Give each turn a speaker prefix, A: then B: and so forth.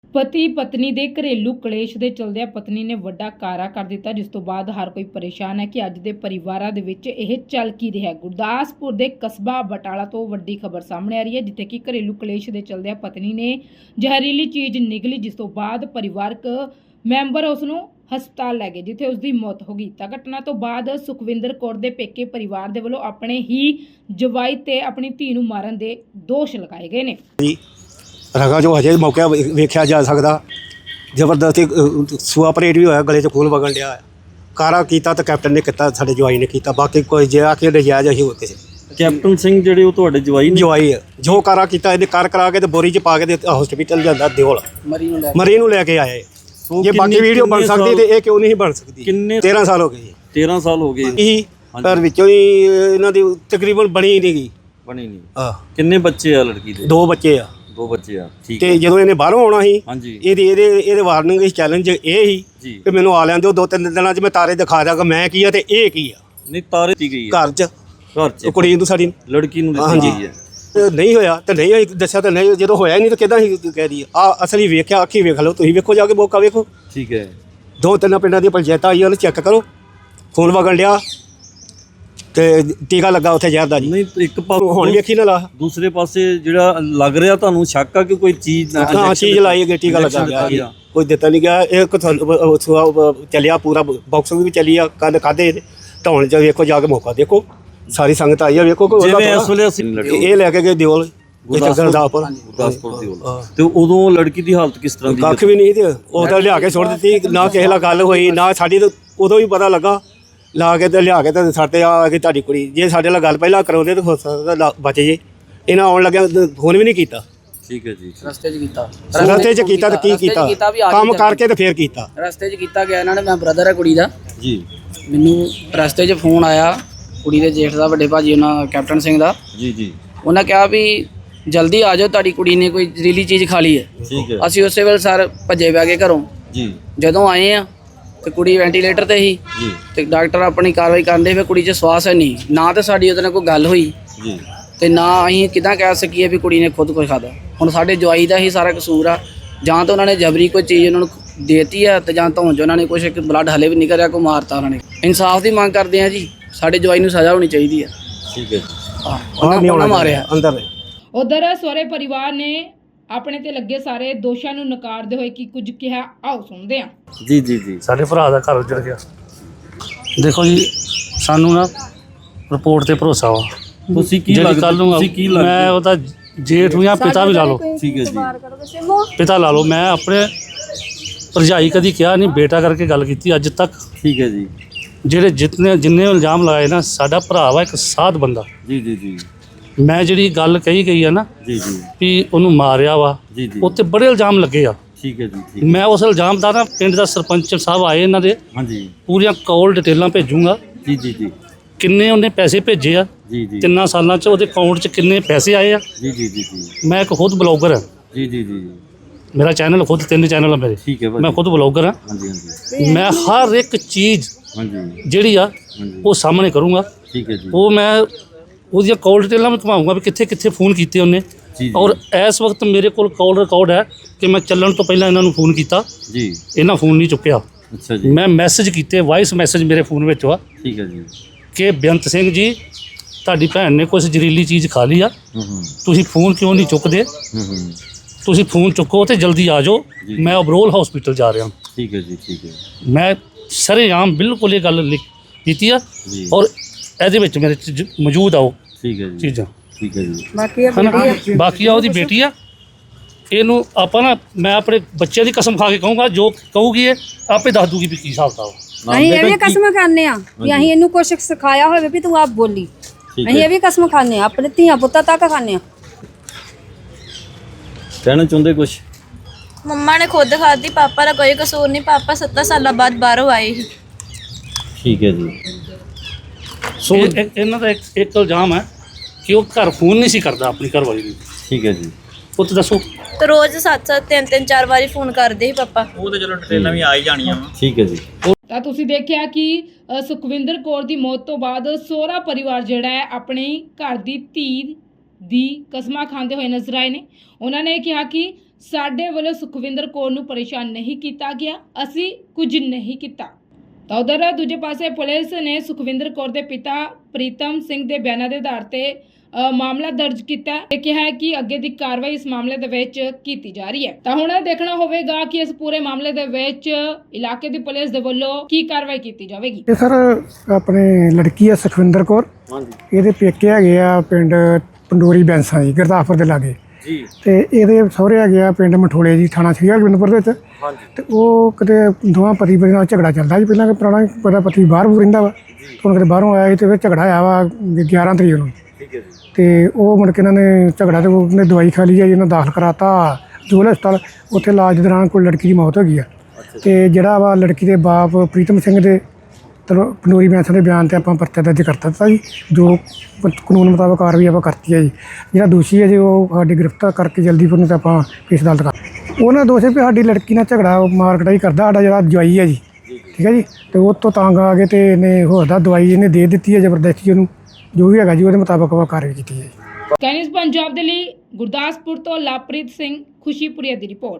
A: ਪਤੀ ਪਤਨੀ ਦੇ ਘਰੇਲੂ ਕਲੇਸ਼ ਦੇ ਚਲਦਿਆਂ ਪਤਨੀ ਨੇ ਵੱਡਾ ਕਾਰਾ ਕਰ ਦਿੱਤਾ, ਜਿਸ ਤੋਂ ਬਾਅਦ ਹਰ ਕੋਈ ਪਰੇਸ਼ਾਨ ਹੈ ਕਿ ਅੱਜ ਦੇ ਪਰਿਵਾਰਾਂ ਦੇ ਵਿੱਚ ਇਹ ਚੱਲ ਕੀ ਰਿਹਾ ਹੈ। ਗੁਰਦਾਸਪੁਰ ਦੇ ਕਸਬਾ ਬਟਾਲਾ ਤੋਂ ਵੱਡੀ ਖਬਰ ਸਾਹਮਣੇ ਆ ਰਹੀ ਹੈ, ਜਿੱਥੇ ਕਿ ਘਰੇਲੂ ਕਲੇਸ਼ ਦੇ ਚਲਦਿਆਂ ਪਤਨੀ ਨੇ ਜ਼ਹਿਰੀਲੀ ਚੀਜ਼ ਨਿਗਲੀ, ਜਿਸ ਤੋਂ ਬਾਅਦ ਪਰਿਵਾਰਕ ਮੈਂਬਰ ਉਸ ਨੂੰ ਹਸਪਤਾਲ ਲੈ ਗਏ, ਜਿੱਥੇ ਉਸ ਦੀ ਮੌਤ ਹੋ ਗਈ। ਤਾਂ ਘਟਨਾ ਤੋਂ ਬਾਅਦ ਸੁਖਵਿੰਦਰ ਕੌਰ ਦੇ ਪੇਕੇ ਪਰਿਵਾਰ ਦੇ ਵੱਲੋਂ ਆਪਣੇ ਹੀ ਜਵਾਈ ਤੇ ਆਪਣੀ ਧੀ ਨੂੰ ਮਾਰਨ ਦੇ ਦੋਸ਼ ਲਗਾਏ ਗਏ ਨੇ।
B: ਰਗਾ ਜੋ ਹਜੇ ਮੌਕਾ ਵੇਖਿਆ ਜਾ ਸਕਦਾ, ਜ਼ਬਰਦਸਤੀ ਸੂਆ ਪਰੇਡ ਵੀ ਹੋਇਆ, ਗਲੇ 'ਚ ਖੂਨ ਵਗਣ ਡਿਆ। ਕਾਰਾ ਕੀਤਾ ਤਾਂ ਕੈਪਟਨ ਨੇ ਕੀਤਾ, ਸਾਡੇ ਜਵਾਈ ਨੇ ਕੀਤਾ, ਬਾਕੀ ਕੋਈ ਜੇ ਆ ਕੇ ਨਜਾਇਜ਼ ਅਸੀਂ ਹੋਰ ਕਿਸੇ।
C: ਕੈਪਟਨ ਸਿੰਘ ਜਿਹੜੇ ਉਹ ਤੁਹਾਡੇ ਜਵਾਈ ਨੇ?
B: ਜਵਾਈ ਜੋ ਕਾਰਾ ਕੀਤਾ ਇਹਨੇ ਕਰਾ ਕੇ ਤੇ ਬੋਰੀ 'ਚ ਪਾ ਕੇ ਤੇ ਹਸਪੀਟਲ ਜਾਂਦਾ ਦਿਓਲ ਮਰੀ ਨੂੰ ਲੈ ਕੇ ਆਏ। ਜੇ ਬਾਕੀ ਵੀਡੀਓ ਬਣ ਸਕਦੀ ਤੇ ਇਹ ਕਿਉਂ ਨਹੀਂ ਬਣ ਸਕਦੀ? 13 ਸਾਲ ਹੋ ਗਏ।
C: 13 ਸਾਲ ਹੋ ਗਏ
B: ਇਹੀ ਪਰ ਵਿੱਚੋਂ ਹੀ ਇਹਨਾਂ ਦੀ ਤਕਰੀਬਨ ਬਣੀ ਨਹੀਂ ਗਈ।
C: ਬਣੀ ਨਹੀਂ।
B: ਹਾਂ।
C: ਕਿੰਨੇ ਬੱਚੇ ਆ ਲੜਕੀ ਦੇ?
B: 2 ਬੱਚੇ ਆ।
C: 2 ਬੱਚੇ ਆ, ਠੀਕ।
B: ਤੇ ਜਦੋਂ ਇਹਨੇ ਬਾਹਰੋਂ ਆਉਣਾ ਸੀ,
C: ਹਾਂਜੀ,
B: ਇਹਦੇ ਵਾਰਨਿੰਗ ਇਸ ਚੈਲੰਜ ਇਹ ਸੀ ਕਿ ਮੈਨੂੰ ਆ ਲੈਣ ਦਿਓ 2-3 ਦਿਨਾਂ 'ਚ ਮੈਂ ਤਾਰੇ ਦਿਖਾ ਦਾਂਗਾ ਮੈਂ ਕੀ ਆ ਤੇ ਇਹ ਕੀ ਆ।
C: ਨਹੀਂ ਤਾਰੇ ਦੀ ਗਈ
B: ਘਰ 'ਚ
C: ਉਹ
B: ਕੁੜੀ ਨੂੰ ਸਾਡੀ
C: ਲੜਕੀ ਨੂੰ
B: ਹਾਂਜੀ
C: ਦਿੱਤੀ ਗਈ ਹੈ।
B: ਨਹੀਂ ਹੋਇਆ ਤਾਂ ਨਹੀਂ ਹੋਈ, ਦੱਸਿਆ ਤਾਂ ਨਹੀਂ, ਜਦੋਂ ਹੋਇਆ ਹੀ ਨਹੀਂ ਤਾਂ ਕਿੱਦਾਂ ਹੀ ਕਹਿ ਦਈਏ। ਆ ਅਸਲੀ ਵੇਖਿਆ, ਅੱਖੀ ਵੇਖ ਲਓ, ਤੁਸੀਂ ਵੇਖੋ ਜਾ ਕੇ ਮੌਕਾ ਵੇਖੋ।
C: ਠੀਕ ਹੈ।
B: 2-3 ਪਿੰਡਾਂ ਦੀ ਪੰਚਾਇਤਾਂ ਆਈਆਂ ਨੇ, ਚੈੱਕ ਕਰੋ, ਖੂਨ ਵਗਣ ਡਿਆ ਤੇ ਟੀਕਾ ਲੱਗਾ ਉੱਥੇ ਜ਼ਹਿਰ ਦਾ ਜੀ।
C: ਨਹੀਂ ਇੱਕ
B: ਹੁਣ ਵੇਖੀ ਨਾ ਲਾ।
C: ਦੂਸਰੇ ਪਾਸੇ ਜਿਹੜਾ ਲੱਗ ਰਿਹਾ ਤੁਹਾਨੂੰ ਸ਼ੱਕ ਆ ਕਿ ਕੋਈ ਚੀਜ਼
B: ਹਾਂ ਚੀਜ਼ ਲਾਈ ਗਈ, ਟੀਕਾ ਲੱਗਾ ਗਿਆ, ਕੋਈ ਦਿੱਤਾ ਨਹੀਂ ਗਿਆ। ਇਹ ਚੱਲਿਆ ਪੂਰਾ ਬਾਕਸਿੰਗ ਵੀ ਚੱਲੀ ਆ, ਕੰਨ ਖਾਧੇ ਢਾਉਣ 'ਚ ਵੇਖੋ ਜਾ ਕੇ ਮੌਕਾ ਦੇਖੋ, ਸਾਰੀ ਸੰਗਤ ਆਈ ਆ ਵੇਖੋ।
C: ਇਸ ਵੇਲੇ
B: ਇਹ ਲੈ ਕੇ ਗਏ ਦਿਓਲ
C: ਗੁਰਦਾਸਪੁਰ ਦੀ। ਤੇ ਉਦੋਂ ਲੜਕੀ ਦੀ ਹਾਲਤ ਕਿਸ ਤਰ੍ਹਾਂ ਦੀ?
B: ਕੱਖ ਵੀ ਨਹੀਂ, ਤੇ ਉਹ ਤਾਂ ਲਿਆ ਕੇ ਸੁੱਟ ਦਿੱਤੀ, ਨਾ ਕਿਸੇ ਨਾਲ ਗੱਲ ਹੋਈ ਨਾ ਸਾਡੀ। ਤਾਂ ਉਦੋਂ ਵੀ ਪਤਾ ਲੱਗਾ, ਲਾ ਕੇ ਤੇ ਲਿਆ ਕੇ ਤੇ ਸਾਡੇ ਆ ਕੇ ਤੁਹਾਡੀ ਕੁੜੀ, ਜੇ ਸਾਡੇ ਨਾਲ ਗੱਲ ਪਹਿਲਾਂ ਕਰਾਉਂਦੇ ਤਾਂ ਹੋ ਸਕਦਾ ਬਚ ਜੇ। ਇਹਨਾਂ ਆਉਣ ਲੱਗਿਆ ਫੋਨ ਵੀ ਨਹੀਂ ਕੀਤਾ।
C: ਠੀਕ ਹੈ ਜੀ।
D: ਰਸਤੇ 'ਚ ਕੀਤਾ
B: ਤਾਂ ਕੀ ਕੀਤਾ? ਕੰਮ ਕਰਕੇ ਤੇ ਫੇਰ ਕੀਤਾ।
D: ਰਸਤੇ 'ਚ ਕੀਤਾ ਗਿਆ ਇਹਨਾਂ ਨੇ। ਮੈਂ ਬ੍ਰਦਰ ਹੈ ਕੁੜੀ ਦਾ
C: ਜੀ।
D: ਮੈਨੂੰ ਰਸਤੇ 'ਚ ਫੋਨ ਆਇਆ ਕੁੜੀ ਦੇ ਜੇਠ ਦਾ, ਵੱਡੇ ਭਾਜੀ ਉਹਨਾਂ ਕੈਪਟਨ ਸਿੰਘ ਦਾ।
C: ਜੀ ਜੀ।
D: ਉਹਨਾਂ ਕਿਹਾ ਵੀ ਜਲਦੀ ਆ ਜਾਓ, ਤੁਹਾਡੀ ਕੁੜੀ ਨੇ ਕੋਈ ਜ਼ਹਿਰੀਲੀ ਚੀਜ਼ ਖਾ ਲਈ ਹੈ।
C: ਠੀਕ ਹੈ।
D: ਅਸੀਂ ਉਸੇ ਵੇਲੇ ਸਰ ਭੱਜੇ ਪੈ ਗਏ ਘਰੋਂ।
C: ਜੀ।
D: ਜਦੋਂ ਆਏ ਆ ਤੇ ਕੁੜੀ ਵੈਂਟੀਲੇਟਰ ਤੇ ਸੀ
C: ਜੀ।
D: ਤੇ ਡਾਕਟਰ ਆਪਣੀ ਕਾਰਵਾਈ ਕਰਦੇ ਫਿਰ ਕੁੜੀ 'ਚ ਸਵਾਸ ਹੈ ਨਹੀਂ, ਨਾ ਤੇ ਸਾਡੀ ਉਹਦੇ ਨਾਲ ਕੋਈ ਗੱਲ ਹੋਈ
C: ਜੀ,
D: ਤੇ ਨਾ ਅਸੀਂ ਕਿੱਦਾਂ ਕਹਿ ਸਕੀਏ ਵੀ ਕੁੜੀ ਨੇ ਖੁਦ ਕੁਝ ਖਾਦਾ। ਹੁਣ ਸਾਡੇ ਜਵਾਈ ਦਾ ਹੀ ਸਾਰਾ ਕਸੂਰ ਆ, ਜਾਂ ਤਾਂ ਉਹਨਾਂ ਨੇ ਜਬਰੀ ਕੋਈ ਚੀਜ਼ ਉਹਨਾਂ ਨੂੰ ਦੇਤੀ ਆ ਤੇ ਜਾਂ ਧੌਣ 'ਚ ਉਹਨਾਂ ਨੇ ਕੁਛ ਬਲੱਡ ਹਲੇ ਵੀ ਨਿਕਲ ਰਿਹਾ, ਕੋਈ ਮਾਰਤਾ ਉਹਨਾਂ ਨੇ। ਇਨਸਾਫ ਦੀ ਮੰਗ ਕਰਦੇ ਆ ਜੀ, ਸਾਡੇ ਜਵਾਈ ਨੂੰ ਸਜ਼ਾ ਹੋਣੀ ਚਾਹੀਦੀ ਆ।
C: ਠੀਕ ਹੈ ਜੀ।
D: ਉਹਨਾਂ ਮਾਰਿਆ
B: ਅੰਦਰ।
A: ਉਧਰ ਸਹੁਰੇ ਪਰਿਵਾਰ ਨੇ ਆਪਣੇ ਤੇ ਲੱਗੇ ਸਾਰੇ ਦੋਸ਼ਾਂ ਨੂੰ ਨਕਾਰਦੇ ਹੋਏ ਕੀ ਕੁਝ ਕਿਹਾ, ਆਓ ਸੁਣਦੇ ਹਾਂ।
C: ਜੀ ਜੀ ਜੀ।
E: ਸਾਡੇ ਭਰਾ ਦਾ ਘਰ ਉੱਜੜ ਗਿਆ। ਦੇਖੋ ਜੀ, ਸਾਨੂੰ ਨਾ ਰਿਪੋਰਟ ਤੇ ਭਰੋਸਾ ਵਾ।
C: ਤੁਸੀਂ ਕੀ
E: ਜਿਹੜੀ ਕੱਲ ਨੂੰ
C: ਤੁਸੀਂ ਕੀ ਲੱਗਦਾ?
E: ਮੈਂ ਉਹਦਾ ਜੇਠ ਨੂੰ ਜਾਂ ਪਿਤਾ ਵੀ ਲਾ ਲਓ।
C: ਠੀਕ ਹੈ ਜੀ।
E: ਪਿਤਾ ਲਾ ਲਓ। ਮੈਂ ਆਪਣੇ ਭਰਜਾਈ ਕਦੀ ਕਿਹਾ ਨਹੀਂ, ਬੇਟਾ ਕਰਕੇ ਗੱਲ ਕੀਤੀ ਅੱਜ ਤੱਕ।
C: ਠੀਕ ਹੈ ਜੀ।
E: ਜਿਹੜੇ ਜਿੰਨੇ ਇਲਜ਼ਾਮ ਲਾਏ ਨਾ, ਸਾਡਾ ਭਰਾ ਵਾ ਇੱਕ ਸਾਧ ਬੰਦਾ।
C: ਜੀ ਜੀ ਜੀ।
E: ਮੈਂ ਜਿਹੜੀ ਗੱਲ ਕਹੀ ਗਈ ਆ ਨਾ
C: ਜੀ ਜੀ।
E: ਵੀ ਉਹਨੂੰ ਮਾਰਿਆ ਵਾ,
C: ਜੀ ਜੀ।
E: ਉੱਤੇ ਬੜੇ ਇਲਜ਼ਾਮ ਲੱਗੇ ਆ।
C: ਠੀਕ ਹੈ ਜੀ। ਠੀਕ।
E: ਮੈਂ ਉਸ ਇਲਜ਼ਾਮ ਦਾ ਨਾ ਪਿੰਡ ਦਾ ਸਰਪੰਚ ਸਾਹਿਬ ਆਏ ਇਹਨਾਂ ਦੇ,
C: ਹਾਂਜੀ।
E: ਪੂਰੀਆਂ ਕਾਲ ਡਿਟੇਲਾਂ ਭੇਜੂੰਗਾ।
C: ਜੀ ਜੀ ਜੀ।
E: ਕਿੰਨੇ ਉਹਨੇ ਪੈਸੇ ਭੇਜੇ ਆ,
C: ਜੀ ਜੀ।
E: 3 ਸਾਲਾਂ 'ਚ ਉਹਦੇ ਅਕਾਊਂਟ 'ਚ ਕਿੰਨੇ ਪੈਸੇ ਆਏ ਆ।
C: ਜੀ ਜੀ ਜੀ ਜੀ।
E: ਮੈਂ ਇੱਕ ਖੁਦ ਬਲੌਗਰ ਹਾਂ।
C: ਜੀ ਜੀ ਜੀ।
E: ਮੇਰਾ ਚੈਨਲ ਖੁਦ 3 ਚੈਨਲ ਆ ਮੇਰੇ।
C: ਠੀਕ ਹੈ ਭਾਜੀ।
E: ਮੈਂ ਖੁਦ ਬਲੌਗਰ ਹਾਂ।
C: ਹਾਂਜੀ ਹਾਂਜੀ।
E: ਮੈਂ ਹਰ ਇੱਕ ਚੀਜ਼
C: ਹਾਂਜੀ
E: ਜਿਹੜੀ ਆ ਉਹ ਸਾਹਮਣੇ ਕਰੂੰਗਾ।
C: ਠੀਕ ਹੈ ਜੀ।
E: ਉਹ ਮੈਂ ਉਹਦੀਆਂ ਕਾਲ ਡਿਟੇਲਾਂ ਵੀ ਘੁਮਾਊਂਗਾ ਵੀ ਕਿੱਥੇ ਕਿੱਥੇ ਫੋਨ ਕੀਤੇ ਉਹਨੇ।
C: ਜੀ।
E: ਔਰ ਇਸ ਵਕਤ ਮੇਰੇ ਕੋਲ ਕਾਲ ਰਿਕਾਰਡ ਹੈ ਕਿ ਮੈਂ ਚੱਲਣ ਤੋਂ ਪਹਿਲਾਂ ਇਹਨਾਂ ਨੂੰ ਫੋਨ ਕੀਤਾ,
C: ਜੀ।
E: ਇਹਨਾਂ ਫੋਨ ਨਹੀਂ ਚੁੱਕਿਆ।
C: ਅੱਛਾ ਜੀ।
E: ਮੈਂ ਮੈਸੇਜ ਕੀਤੇ, ਵਾਇਸ ਮੈਸੇਜ ਮੇਰੇ ਫੋਨ ਵਿੱਚ ਆ
C: ਠੀਕ ਹੈ ਜੀ।
E: ਕਿ ਬੇਅੰਤ ਸਿੰਘ ਜੀ, ਤੁਹਾਡੀ ਭੈਣ ਨੇ ਕੁਛ ਜ਼ਹਿਰੀਲੀ ਚੀਜ਼ ਖਾ ਲਈ ਆ, ਤੁਸੀਂ ਫੋਨ ਕਿਉਂ ਨਹੀਂ ਚੁੱਕਦੇ? ਤੁਸੀਂ ਫੋਨ ਚੁੱਕੋ ਤੇ ਜਲਦੀ ਆ ਜਾਓ, ਮੈਂ ਅਬਰੋਲ ਹਸਪੀਟਲ ਜਾ ਰਿਹਾ।
C: ਠੀਕ ਹੈ ਜੀ। ਠੀਕ ਹੈ।
E: ਮੈਂ ਸਰੇਆਮ ਬਿਲਕੁਲ ਇਹ ਗੱਲ ਕੀਤੀ ਆ ਔਰ ਇਹਦੇ ਵਿੱਚ ਮੇਰੇ ਮੌਜੂਦ ਆ ਉਹ
C: ਠੀਕ ਹੈ ਜੀ।
E: ਚੀਜ਼ਾਂ।
C: ਠੀਕ ਹੈ ਜੀ।
E: ਬਾਕੀ ਆ ਉਹਦੀ ਬੇਟੀ ਆ। ਇਹਨੂੰ ਆਪਾਂ ਨਾ, ਮੈਂ ਆਪਣੇ ਬੱਚਿਆਂ ਦੀ ਕਸਮ ਖਾ ਕੇ ਕਹੂੰਗਾ, ਜੋ ਕਹੂਗੀ ਇਹ ਆਪੇ ਦੱਸ ਦੂਗੀ ਵੀ ਕੀ ਹਿਸਾਬ ਵਾ।
F: ਅਸੀਂ ਇਹ ਵੀ ਕਸਮ ਖਾਂਦੇ ਆ ਵੀ ਅਸੀਂ ਇਹਨੂੰ ਕੁਛ ਸਿਖਾਇਆ ਹੋਵੇ ਵੀ ਤੂੰ ਆਪ ਬੋਲੀ। ਅਸੀਂ ਇਹ ਵੀ ਕਸਮ ਖਾਂਦੇ ਆ, ਆਪਣੇ ਧੀਆਂ ਪੁੱਤਾਂ ਤੱਕ ਖਾਂਦੇ ਆ।
C: ਕਹਿਣਾ ਚਾਹੁੰਦੇ ਕੁਛ?
G: ਮੰਮਾ ਨੇ ਖੁਦ ਖਾਧੀ, ਪਾਪਾ ਦਾ ਕੋਈ ਕਸੂਰ ਨਹੀਂ। ਪਾਪਾ 7 ਸਾਲਾਂ ਬਾਅਦ ਬਾਹਰੋਂ ਆਏ ਸੀ।
C: ਠੀਕ ਹੈ ਜੀ।
E: ਸੋ ਇਹਨਾਂ ਦਾ ਇੱਕ ਇਲਜ਼ਾਮ ਹੈ ਕਿ ਉਹ ਘਰ ਫੋਨ ਨਹੀਂ ਸੀ ਕਰਦਾ ਆਪਣੀ ਘਰਵਾਲੀ ਨੂੰ।
C: ਠੀਕ ਹੈ ਜੀ।
E: ਉਹ ਤਾਂ ਦੱਸੋ।
G: ਤੇ ਰੋਜ਼ 7-7 3-3 4 ਵਾਰੀ ਫੋਨ ਕਰਦੇ ਸੀ ਪਾਪਾ।
H: ਉਹ ਤੇ ਚਲੋ ਡਿਟੇਲਾਂ ਵੀ ਆ ਹੀ ਜਾਣੀਆਂ ਵਾ।
C: ਠੀਕ ਹੈ ਜੀ।
A: ਤਾਂ ਤੁਸੀਂ ਦੇਖਿਆ ਕਿ ਸੁਖਵਿੰਦਰ ਕੌਰ ਦੀ ਮੌਤ ਤੋਂ ਬਾਅਦ ਸਹੁਰਾ ਪਰਿਵਾਰ ਜਿਹੜਾ ਹੈ ਆਪਣੀ ਘਰ ਦੀ ਧੀ ਦੀ ਕਸਮਾਂ ਖਾਂਦੇ ਹੋਏ ਨਜ਼ਰ ਆਏ ਨੇ। ਉਹਨਾਂ ਨੇ ਕਿਹਾ ਕਿ ਸਾਡੇ ਵੱਲੋਂ ਸੁਖਵਿੰਦਰ ਕੌਰ ਨੂੰ ਪਰੇਸ਼ਾਨ ਨਹੀਂ ਕੀਤਾ ਗਿਆ, ਅਸੀਂ ਕੁਝ ਨਹੀਂ ਕੀਤਾ। ਤਾਂ ਉਧਰ ਦੂਜੇ ਪਾਸੇ ਪੁਲਿਸ ਨੇ ਸੁਖਵਿੰਦਰ ਕੌਰ ਦੇ ਪਿਤਾ ਪ੍ਰੀਤਮ ਸਿੰਘ ਦੇ ਬਿਆਨਾਂ ਦੇ ਆਧਾਰ ਤੇ ਮਾਮਲਾ ਦਰਜ ਕੀਤਾ ਹੈ ਤੇ ਕਿਹਾ ਹੈ ਕਿ ਅੱਗੇ ਦੀ ਕਾਰਵਾਈ ਇਸ ਮਾਮਲੇ ਦੇ ਵਿੱਚ ਕੀਤੀ ਜਾ ਰਹੀ ਹੈ। ਤਾਂ ਹੁਣ ਇਹ ਦੇਖਣਾ ਹੋਵੇਗਾ ਕਿ ਇਸ ਪੂਰੇ ਮਾਮਲੇ ਦੇ ਵਿੱਚ ਇਲਾਕੇ ਦੀ ਪੁਲਿਸ ਦੇ ਵੱਲੋਂ ਕੀ ਕਾਰਵਾਈ ਕੀਤੀ ਜਾਵੇਗੀ।
I: ਇਹ ਸਰ ਆਪਣੇ ਲੜਕੀ ਆ ਸੁਖਵਿੰਦਰ ਕੌਰ, ਇਹਦੇ ਪੇਕੇ ਹੈਗੇ ਆ ਪਿੰਡ ਪੰਡੋਰੀ ਬੈਂਸਾਂ ਜੀ, ਗੁਰਦਾਸਪੁਰ ਦੇ ਲਾਗੇ
C: ਜੀ।
I: ਤੇ ਇਹਦੇ ਸਹੁਰੇ ਹੈਗੇ ਆ ਪਿੰਡ ਮਠੋਲੇ ਜੀ, ਥਾਣਾ ਸ੍ਰੀ ਹਰਗੋਬਿੰਦਪੁਰ ਦੇ ਵਿੱਚ। ਤੇ ਉਹ ਕਿਤੇ ਦੋਵਾਂ ਪਤੀ ਪਤਨੀ ਨਾਲ ਝਗੜਾ ਚੱਲਦਾ ਸੀ ਪਹਿਲਾਂ, ਪੁਰਾਣਾ ਪਤਾ ਪਤੀ ਬਾਹਰ ਰਹਿੰਦਾ ਵਾ, ਹੁਣ ਕਿਤੇ ਬਾਹਰੋਂ ਆਇਆ ਸੀ ਤੇ ਫਿਰ ਝਗੜਾ ਆਇਆ ਵਾ 11 ਤਰੀਕ ਨੂੰ।
C: ਠੀਕ ਹੈ ਜੀ।
I: ਤੇ ਉਹ ਮੁੜ ਕੇ ਇਹਨਾਂ ਨੇ ਝਗੜਾ ਤੇ ਉਹਨੇ ਦਵਾਈ ਖਾ ਲਈ ਹੈ ਜੀ, ਇਹਨਾਂ ਦਾਖਲ ਕਰਾਤਾ ਸਿਵਲ ਹਸਪਤਾਲ। ਉੱਥੇ ਇਲਾਜ ਦੇ ਦੌਰਾਨ ਕੋਈ ਲੜਕੀ ਦੀ ਮੌਤ ਹੋ ਗਈ ਆ। ਤੇ ਜਿਹੜਾ ਵਾ ਲੜਕੀ ਦੇ ਬਾਪ ਪ੍ਰੀਤਮ ਸਿੰਘ ਦੇ ਪੰਡੋਰੀ ਬੈਂਸਾਂ ਦੇ ਬਿਆਨ ਤੇ ਆਪਾਂ ਪਰਚਾ ਦਰਜ ਕਰ ਦਿੱਤਾ ਜੀ, ਜੋ ਕਾਨੂੰਨ ਮੁਤਾਬਕ ਕਾਰਵਾਈ ਆਪਾਂ ਕਰਤੀ ਹੈ ਜੀ। ਜਿਹੜਾ ਦੋਸ਼ੀ ਹੈ ਜੀ ਉਹ ਸਾਡੀ ਗ੍ਰਿਫਤਾਰ ਕਰਕੇ ਜਲਦੀ ਫਿਰ ਨੂੰ ਤੇ ਆਪਾਂ ਕੇਸ ਅਦਾਲਤ ਕਰ। ਉਹਨਾਂ ਦੋਸ਼ ਵੀ ਸਾਡੀ ਲੜਕੀ ਨਾਲ ਝਗੜਾ ਮਾਰ ਕਟਾਈ ਕਰਦਾ, ਸਾਡਾ ਜਿਹੜਾ ਜਵਾਈ ਹੈ ਜੀ, ਠੀਕ ਹੈ ਜੀ। ਤੇ ਉਹ ਤੋਂ ਤੰਗ ਆ ਕੇ ਤੇ ਇਹਨੇ ਹੋਰ ਦਾ ਦਵਾਈ ਇਹਨੇ ਦੇ ਦਿੱਤੀ ਹੈ ਜ਼ਬਰਦਸਤੀ ਉਹਨੂੰ, ਜੋ ਵੀ ਹੈਗਾ ਜੀ ਉਹਦੇ ਮੁਤਾਬਕ ਆਪਾਂ ਕਾਰਵਾਈ ਕੀਤੀ ਹੈ।
A: ਕੈਨਿਸ ਪੰਜਾਬ ਦੇ ਲਈ ਗੁਰਦਾਸਪੁਰ ਤੋਂ ਲਵਪ੍ਰੀਤ ਸਿੰਘ, ਖੁਸ਼ੀਪੁਰੀਆ ਦੀ ਰਿਪੋਰਟ।